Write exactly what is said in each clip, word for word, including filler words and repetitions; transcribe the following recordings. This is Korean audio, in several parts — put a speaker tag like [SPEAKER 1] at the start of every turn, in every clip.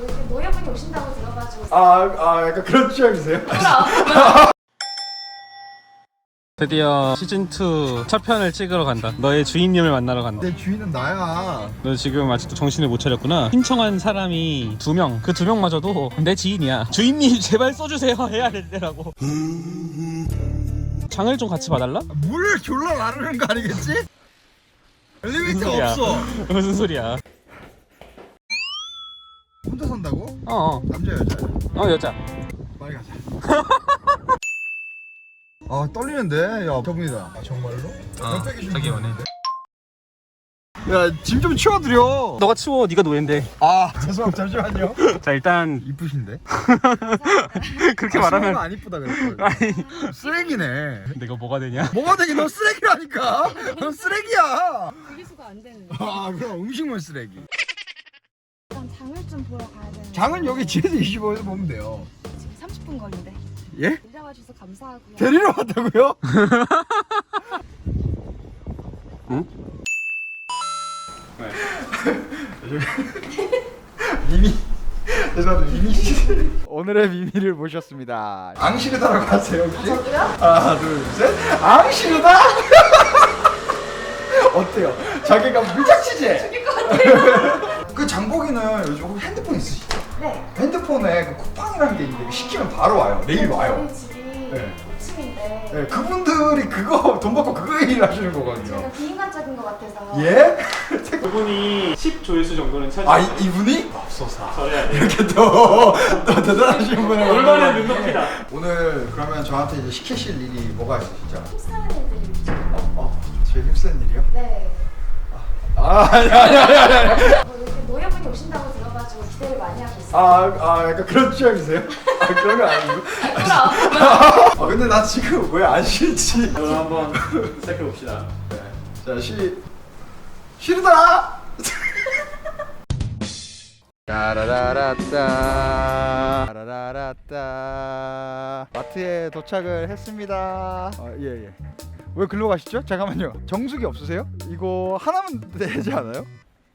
[SPEAKER 1] 이렇게 노예분이 오신다고 들어가지고.
[SPEAKER 2] 아, 아 약간 그런 취향이세요?
[SPEAKER 3] 드디어 시즌이 첫 편을 찍으러 간다. 너의 주인님을 만나러 간다.
[SPEAKER 2] 내 주인은 나야.
[SPEAKER 3] 너 지금 아직도 정신을 못 차렸구나. 신청한 사람이 두 명. 그 두 명마저도 내 지인이야. 주인님 제발 써주세요 해야 될 때라고. 장을 좀 같이 봐달라?
[SPEAKER 2] 물 졸라 나르는 거 아니겠지? 엘리베이터
[SPEAKER 3] 소리야?
[SPEAKER 2] 없어.
[SPEAKER 3] 무슨 소리야?
[SPEAKER 2] 혼자 산다고?
[SPEAKER 3] 어어
[SPEAKER 2] 남자 여자?
[SPEAKER 3] 어, 여자.
[SPEAKER 2] 빨리 가자. 아 떨리는데. 야 저분이다. 아 정말로?
[SPEAKER 3] 어, 자기 연애.
[SPEAKER 2] 야짐 좀 치워드려.
[SPEAKER 3] 너가 치워. 네가 노예인데.
[SPEAKER 2] 아 죄송합니다. 잠시만요.
[SPEAKER 3] 자 일단
[SPEAKER 2] 이쁘신데?
[SPEAKER 3] 그렇게
[SPEAKER 2] 아,
[SPEAKER 3] 말하면
[SPEAKER 2] 안 이쁘다 그랬어.
[SPEAKER 3] 아니
[SPEAKER 2] 쓰레기네.
[SPEAKER 3] 내가 뭐가 되냐?
[SPEAKER 2] 뭐가 되긴 너 쓰레기라니까. 너 쓰레기야.
[SPEAKER 1] 분리수거 안 되는.
[SPEAKER 2] 아 그럼 음식물 쓰레기.
[SPEAKER 1] 일단 장을 좀 보러 가야 되는.
[SPEAKER 2] 장은 여기 지에서 이십오에서 보면 돼요.
[SPEAKER 1] 지금 삼십 분 걸린대.
[SPEAKER 2] 예?
[SPEAKER 1] 데려와 주셔서 감사하고요.
[SPEAKER 2] 데리러 왔다고요?
[SPEAKER 3] 응?
[SPEAKER 2] 미미. 죄송합니다. 미미 씨. 오늘의 미미를 모셨습니다. 앙시르다라고 하세요 혹시?
[SPEAKER 1] 저도요?
[SPEAKER 2] 하나 둘 셋. 앙시르다. 어때요? 자기가 미쳤지지?
[SPEAKER 1] 죽일 것 같아요.
[SPEAKER 2] 그 장보기는 요즘 혹시 핸드폰 있으시죠?
[SPEAKER 1] 네.
[SPEAKER 2] 핸드폰에 그 쿠팡이라는 게 있는데 시키면 바로 와요. 내일 와요.
[SPEAKER 1] 저희 집이
[SPEAKER 2] 네.
[SPEAKER 1] 오 층인데
[SPEAKER 2] 네, 그분들이 그거 돈 받고 그거 일 하시는 거거든요.
[SPEAKER 1] 제가 비인간적인 것 같아서.
[SPEAKER 2] 예?
[SPEAKER 3] 그분이 십 조회수 정도는 찾아.
[SPEAKER 2] 아 이, 이분이? 맙소사.
[SPEAKER 3] 저래야 돼.
[SPEAKER 2] 이렇게 또, 또 대단하신 분을
[SPEAKER 3] 얼마나
[SPEAKER 2] 만나봤네.
[SPEAKER 3] 눈높이다.
[SPEAKER 2] 오늘 그러면 저한테 이제 시키실 일이 뭐가 있으시죠?
[SPEAKER 1] 힘쓰는 애들이 있죠.
[SPEAKER 2] 어? 어? 제일 힘쓰는 일이요?
[SPEAKER 1] 네.
[SPEAKER 2] 아 아니 아니 아니 아니 아니.
[SPEAKER 1] 뭐 이렇게 노예분이 오신다고 들어가지고 기대를 많이 하고 있어요.
[SPEAKER 2] 아, 아 약간 그런 취향이세요? 아, 그런 거 아니고.
[SPEAKER 1] 그럼.
[SPEAKER 2] 아 근데 나 지금 왜 안 싫지?
[SPEAKER 3] 그럼 한번 시작해 봅시다.
[SPEAKER 2] 자 시... 싫다! 따라라라따 따라라라따 마트에 도착을 했습니다. 아, 예, 예. 왜 글로 가시죠? 잠깐만요. 정수기 없으세요? 이거 하나면 되지 않아요?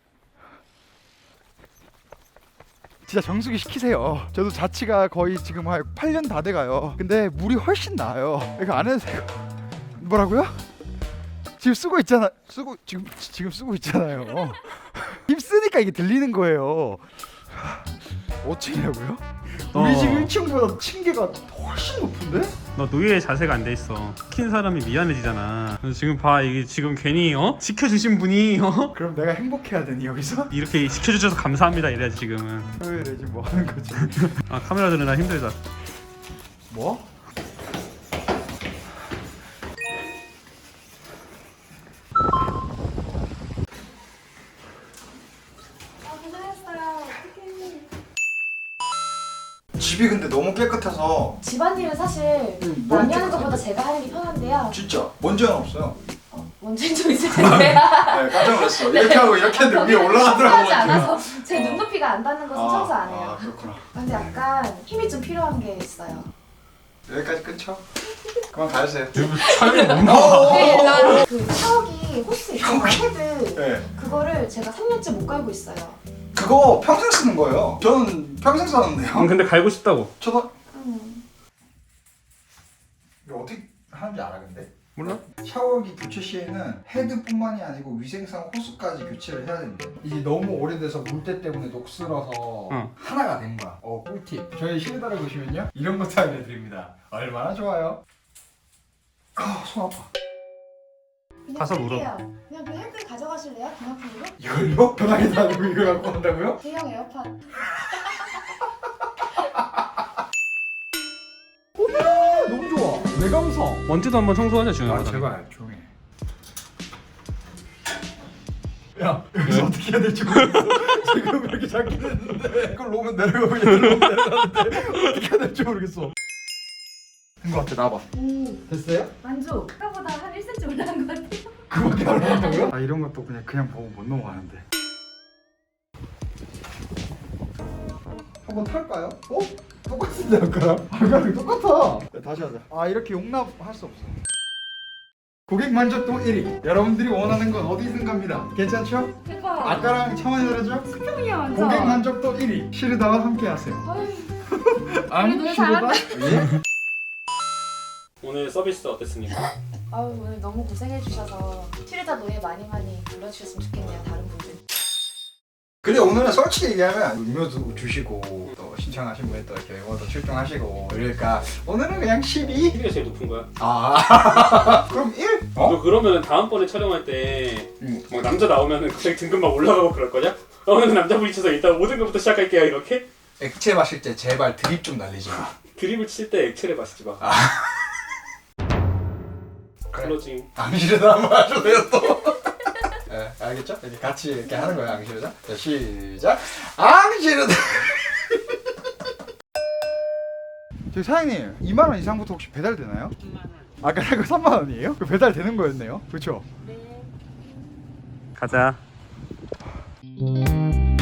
[SPEAKER 2] 진짜 정수기 시키세요. 저도 자취가 거의 지금 한 팔 년 다 돼가요. 근데 물이 훨씬 나아요. 이거 안 해도 돼요. 뭐라고요? 지금 쓰고 있잖아. 쓰고 지금 지금 쓰고 있잖아요. 힘 쓰니까 이게 들리는 거예요. 오 층이라고요? 우리
[SPEAKER 3] 어.
[SPEAKER 2] 집 일 층보다 층계가 훨씬 높은데?
[SPEAKER 3] 너 노예의 자세가 안 돼 있어. 시킨 사람이 미안해지잖아. 그래서 지금 봐, 이게 지금 괜히 어 시켜주신 분이 어
[SPEAKER 2] 그럼 내가 행복해야 되니 여기서?
[SPEAKER 3] 이렇게 시켜주셔서 감사합니다 이래야지 지금은.
[SPEAKER 2] 왜 이래 지금 뭐 하는 거지?
[SPEAKER 3] 아 카메라 들으나 힘들다.
[SPEAKER 2] 뭐?
[SPEAKER 1] 아, 고생했어요. 어떡해.
[SPEAKER 2] 집이 근데 너무 깨끗해서
[SPEAKER 1] 집안일은 사실
[SPEAKER 2] 음, 너무
[SPEAKER 1] 남이 하는
[SPEAKER 2] 깨끗해.
[SPEAKER 1] 것보다 제가 하는 게 편한데요.
[SPEAKER 2] 진짜 먼지는 없어요.
[SPEAKER 1] 어, 원진 좀 있을 텐데.
[SPEAKER 2] 네, 깜짝 놀랐어. 이렇게 하고 이렇게 했는데 위에 올라가더라고.
[SPEAKER 1] 청소하지 않아서 제 눈높이가 안 닿는 것은 청소 안 해요.
[SPEAKER 2] 아 그렇구나.
[SPEAKER 1] 근데 약간 힘이 좀 필요한 게 있어요.
[SPEAKER 2] 여기까지 끊죠? 그만 가주세요.
[SPEAKER 3] 촬영이 너무
[SPEAKER 1] 네, 일단 그 샤워기 호스 있잖아요. 헤드.
[SPEAKER 2] 네.
[SPEAKER 1] 그거를 제가 삼 년째 못 갈고 있어요.
[SPEAKER 2] 그거 평생 쓰는 거예요. 저는 평생 썼는데요.
[SPEAKER 3] 근데 갈고 싶다고.
[SPEAKER 2] 저도
[SPEAKER 1] 음.
[SPEAKER 2] 이거 어떻게 하는지 알아 근데?
[SPEAKER 3] 몰라?
[SPEAKER 2] 샤워기 교체 시에는 헤드뿐만이 아니고 위생상 호스까지 교체를 해야 된대. 이게 너무 오래돼서 물때 때문에 녹슬어서
[SPEAKER 3] 응.
[SPEAKER 2] 하나가 된 거야. 어 꿀팁. 저희 실내다를 보시면요 이런 것도 알려드립니다. 얼마나 좋아요. 아, 손 아파.
[SPEAKER 1] 그냥
[SPEAKER 3] 가서 물어.
[SPEAKER 1] 할게요. 그냥 그 헤드 가져가실래요? 기념품으로?
[SPEAKER 2] 이걸요? 편하게 아니고 이걸 갖고 온다고요?
[SPEAKER 1] 대형 에어팟.
[SPEAKER 2] 너무 좋아. 내 감성.
[SPEAKER 3] 먼지도 한번 청소하자 준영아.
[SPEAKER 2] 조용히 해. 야 여기서 어떻게 해야 될지 모르겠어. 지금 이렇게 잡긴 했는데 그걸 놓으면 내려가고 얘를 놓으면 내려가는데 어떻게 해야 될지 모르겠어. 된 거 같아. 나와봐.
[SPEAKER 1] 오,
[SPEAKER 2] 됐어요?
[SPEAKER 1] 만족. 아까보다 한 일 센티미터 올라간 것 같아요.
[SPEAKER 2] 그거밖에 안 나온다고요? 아 이런 것도 그냥 그냥 보고 못 넘어가는데. 한번 탈까요? 어? 똑같은데 아까랑? 아까랑 똑같아. 야, 다시 하자. 아 이렇게 용납할 수 없어. 고객 만족도 일 위. 여러분들이 원하는 건 어디 있는갑니다. 괜찮죠?
[SPEAKER 1] 대박.
[SPEAKER 2] 아까랑 차원이 다르죠?
[SPEAKER 1] 수평이야 완전.
[SPEAKER 2] 고객 만족도 일 위. 시르다와 함께 하세요. 안
[SPEAKER 1] 너무
[SPEAKER 2] 시르다? 예?
[SPEAKER 3] 오늘 서비스 어땠습니까?
[SPEAKER 1] 아유 오늘 너무 고생해 주셔서 시르다 노예 많이 많이 불러주셨으면 좋겠네요 다른 분들.
[SPEAKER 2] 근데 오늘은 솔직히 얘기하면 음료도 주시고 또 신청하신 분이 또 이렇게 외모도 출동하시고 이러니까 오늘은 그냥 십이?
[SPEAKER 3] 십이가 제일 높은 거야.
[SPEAKER 2] 아 그럼 일? 어?
[SPEAKER 3] 너 그러면 다음번에 촬영할 때
[SPEAKER 2] 응.
[SPEAKER 3] 막 남자 나오면 갑자기 등급 막 올라가고 그럴 거냐? 어, 오늘 남자분이 쳐서 일단 오 등급부터 시작할게요 이렇게?
[SPEAKER 2] 액체 마실 때 제발 드립 좀 날리지 마.
[SPEAKER 3] 드립을 칠 때 액체를 마시지 마.
[SPEAKER 2] 아. 그래.
[SPEAKER 3] 클로징.
[SPEAKER 2] 앙시르다 한번 하셔도요 또. 예, 알겠죠? 이렇게 같이 이렇게 하는 거예요 앙시르다. 자 시작. 앙시르다. 저기 사장님 이만 원 이상부터 혹시 배달 되나요?
[SPEAKER 3] 삼만 원.
[SPEAKER 2] 아까 그 삼만 원이에요? 그 배달 되는 거였네요. 그렇죠?
[SPEAKER 3] 가자.